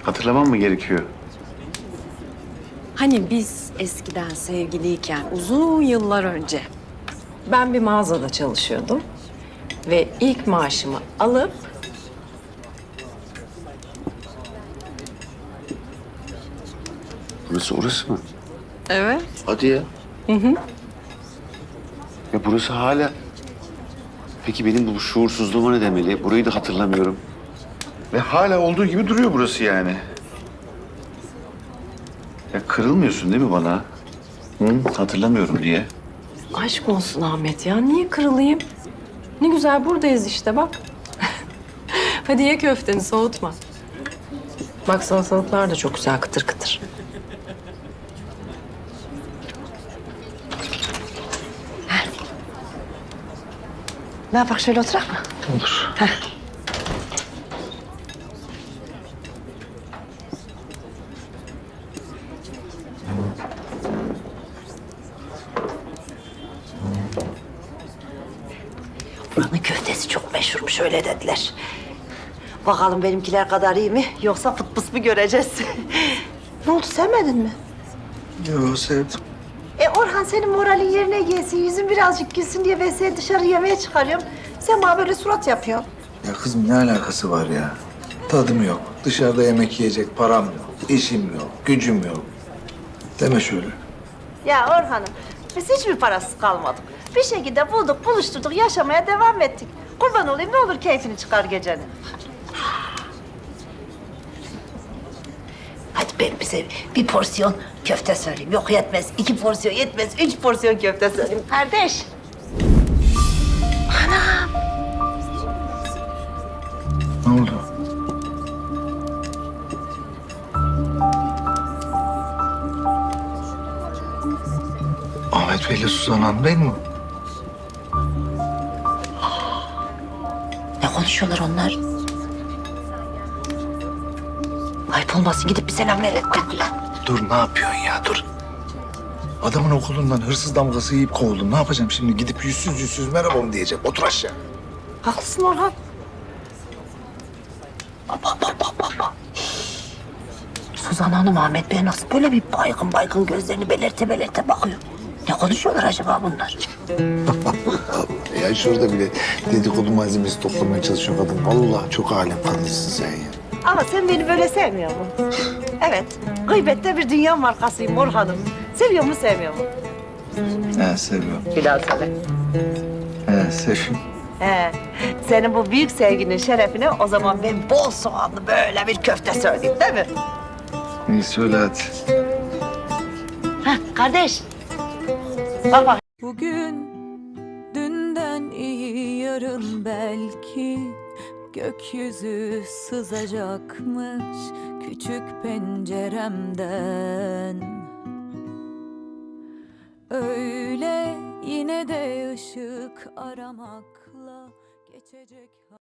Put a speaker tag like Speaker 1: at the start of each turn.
Speaker 1: Hatırlamam mı gerekiyor?
Speaker 2: Hani biz eskiden sevgiliyken uzun yıllar önce ben bir mağazada çalışıyordum ve ilk maaşımı alıp
Speaker 1: Burası orası mı?
Speaker 2: evet.
Speaker 1: Hadi ya. Ya burası hala... Peki benim bu şuursuzluğuma ne demeli? Burayı da hatırlamıyorum. Ve hala olduğu gibi duruyor burası yani. Ya kırılmıyorsun değil mi bana? Hı? Hatırlamıyorum diye.
Speaker 2: Aşk olsun Ahmet ya. Niye kırılayım? Ne güzel buradayız işte bak. Hadi ye köfteni soğutma. Bak salatalıklar da çok güzel kıtır kıtır.
Speaker 3: Ne yapak şöyle oturak mı?
Speaker 1: Olur.
Speaker 3: Buranın köftesi çok meşhurmuş öyle dediler. Bakalım benimkiler kadar iyi mi yoksa fıt pıs mı göreceğiz? Ne oldu sevmedin mi?
Speaker 4: Yo sevdim.
Speaker 3: Orhan senin moralin yerine gelsin, yüzün birazcık gülsün diye ben seni dışarı yemeğe çıkarıyorum. Sen bana böyle surat yapıyorsun.
Speaker 4: Ya kızım ne alakası var ya? Tadım yok. Dışarıda yemek yiyecek param yok. İşim yok. Gücüm yok. Deme şöyle.
Speaker 3: Ya Orhan'ım biz hiçbir parasız kalmadık. Bir şekilde bulduk, buluşturduk, yaşamaya devam ettik. Kurban olayım ne olur keyfini çıkar gecenin. Hadi ben bize bir porsiyon köfte söyleyeyim. Yok yetmez, 2 porsiyon yetmez, 3 porsiyon köfte söyleyeyim. Kardeş.
Speaker 4: Ne oldu? Ahmet Bey'le Suzan Hanım değil mi?
Speaker 3: Ne konuşuyorlar onlar? Ayıp olmasın gidip bir selam verelim.
Speaker 4: Dur ne yapıyorsun ya dur. Adamın okulundan hırsız damgası yiyip kovuldum. Ne yapacağım şimdi? Gidip yüzsüz yüzsüz merhaba mı diyecek? Otur aşağı.
Speaker 3: Haklısın Orhan. Baba. Suzan Hanım Ahmet Bey nasıl böyle bir baygın baygın gözlerini belerte bakıyor. Ne konuşuyorlar acaba bunlar?
Speaker 4: Ya şurada bile dedikodu malzemesi toplamaya çalışıyor kadın. Vallahi çok alem kadınsın sen ya.
Speaker 3: Ama sen beni böyle sevmiyor musun? Evet, gıybette bir dünya markasıyım Orhan'ım. Seviyor mu sevmiyor mu?
Speaker 4: He seviyorum.
Speaker 3: Bir daha söyle.
Speaker 4: He seviyorum.
Speaker 3: He, senin bu büyük sevginin şerefine o zaman ben bol soğanlı böyle bir köfte söyleyeyim değil mi?
Speaker 4: İyi söyle hadi.
Speaker 3: Heh, kardeş. Bak.
Speaker 5: Bugün dünden iyi yarın belki gökyüzü sızacakmış küçük penceremden. Öyle yine de ışık aramakla geçecek.